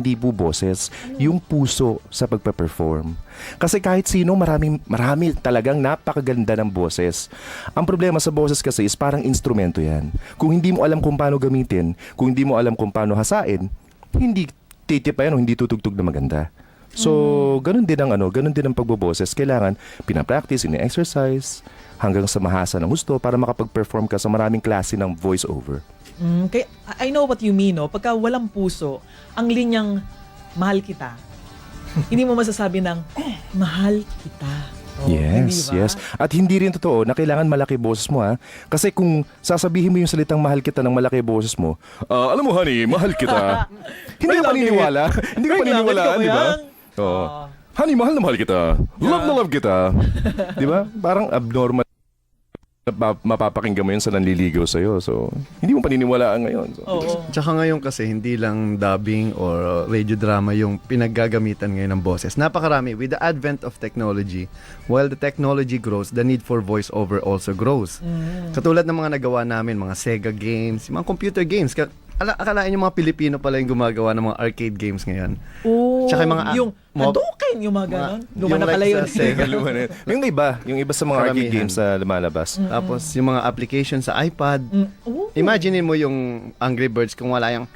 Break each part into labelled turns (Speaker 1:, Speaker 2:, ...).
Speaker 1: hindi po boses, yung puso sa pagpe-perform. Kasi kahit sino, marami talagang napakaganda ng boses. Ang problema sa boses kasi is parang instrumento yan. Kung hindi mo alam kung paano gamitin, kung hindi mo alam kung paano hasain, hindi titipayan o hindi tutugtog na maganda. So, ganun din ang pagboboses. Kailangan pinapractice, ini-exercise, hanggang sa mahasa ng gusto para makapag-perform ka sa maraming klase ng voice-over.
Speaker 2: Kaya, I know what you mean, no? Pagka walang puso, ang linyang mahal kita, hindi mo masasabi ng mahal kita.
Speaker 1: Yes,
Speaker 2: hindi ba?
Speaker 1: yes. At hindi rin totoo na kailangan malaki boses mo, ha? Kasi kung sasabihin mo yung salitang mahal kita ng malaki boses mo, alam mo honey, mahal kita. Hindi ka paniniwala. Hindi ka paniniwala, di ba? Oo. Honey, mahal na mahal kita. Love na love kita. Di ba? Parang abnormal. Mapapakinggan mo yun sa nanliligaw sa'yo. So, hindi mo paniniwalaan ngayon. So,
Speaker 3: Tsaka ngayon kasi hindi lang dubbing or radio drama yung pinaggagamitan ngayon ng boses. Napakarami. With the advent of technology, while the technology grows, the need for voiceover also grows. Katulad ng mga nagawa namin, mga Sega games, mga computer games. Akalain yung mga Pilipino pala yung gumagawa ng mga arcade games ngayon. Tsaka yung mga
Speaker 2: yung Hadouken, yung mga ganon. Luma na
Speaker 3: like
Speaker 2: pala yun.
Speaker 3: sa Sega.
Speaker 1: yung iba sa mga arcade
Speaker 3: Karamihan.
Speaker 1: games na lumalabas.
Speaker 3: Tapos yung mga application sa iPad. Imagine mo yung Angry Birds kung wala yung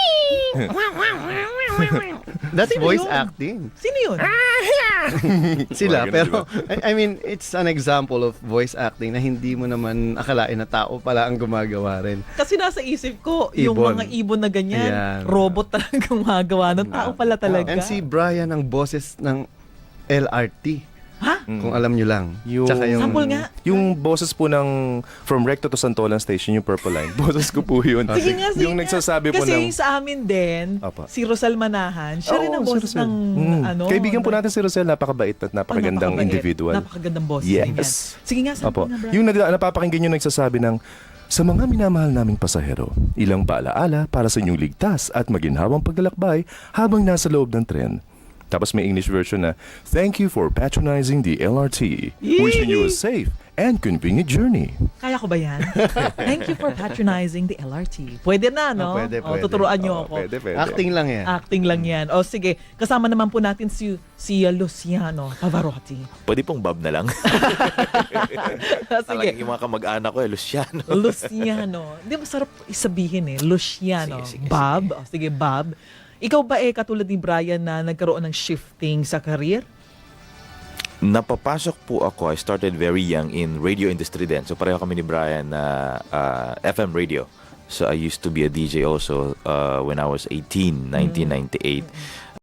Speaker 3: That's
Speaker 2: Sino
Speaker 3: voice
Speaker 2: yun?
Speaker 3: acting.
Speaker 2: Sino yun?
Speaker 3: Sila,
Speaker 1: Mga ganun,
Speaker 3: pero I mean, it's an example of voice acting na hindi mo naman akalain na tao pala ang gumagawa rin.
Speaker 2: Kasi nasa isip ko, yung
Speaker 3: Ibon.
Speaker 2: mga ibon na ganyan,
Speaker 3: Ayan.
Speaker 2: robot talaga gumagawa ng tao pala talaga.
Speaker 3: And si Brian ang boses ng LRT.
Speaker 2: Ha?
Speaker 3: Kung alam nyo lang.
Speaker 1: Yung,
Speaker 3: Tsaka yung
Speaker 2: Sample nga.
Speaker 1: Yung boses po ng From Recto to Santolan Station, yung Purple Line. Boses ko po yun.
Speaker 2: Sige nga, sige
Speaker 1: Yung
Speaker 2: nga.
Speaker 1: nagsasabi po
Speaker 2: Kasi
Speaker 1: ng...
Speaker 2: yung sa amin din,
Speaker 1: Apa.
Speaker 2: si Rosal Manahan, siya rin ang
Speaker 1: Oo, si
Speaker 2: boses
Speaker 1: Rosel.
Speaker 2: ng ano.
Speaker 1: Kaibigan po natin si Rosel, napakabait at napakagandang
Speaker 2: napakabait.
Speaker 1: individual.
Speaker 2: Napakagandang boses
Speaker 1: Yes.
Speaker 2: din yan. Sige nga,
Speaker 1: Opo.
Speaker 2: sample na, Brian.
Speaker 1: Yung napapakinggan yung nagsasabi ng, sa mga minamahal naming pasahero, ilang paalaala para sa inyong ligtas at maginhawang paglalakbay habang nasa loob ng tren. Tapos may English version na, thank you for patronizing the LRT. Wishing you a safe and convenient journey.
Speaker 2: Kaya ko ba yan? Thank you for patronizing the LRT. Pwede na, no?
Speaker 3: Pwede.
Speaker 2: Tuturuan niyo ako.
Speaker 1: Pwede.
Speaker 3: acting lang yan.
Speaker 2: Acting lang yan. O sige, kasama naman po natin si Luciano Pavarotti.
Speaker 4: Pwede pong Bob na lang.
Speaker 2: Sige,
Speaker 4: Talagang yung mga kamag-anak ko, Luciano.
Speaker 2: Luciano. Hindi, masarap isabihin eh. Luciano.
Speaker 4: Sige.
Speaker 2: Bob. O, sige, Bob. Ikaw ba katulad ni Brian na nagkaroon ng shifting sa career?
Speaker 4: Napapasok po ako, I started very young in radio industry din. So pareho kami ni Brian na FM radio. So I used to be a DJ also when I was 18, 1998.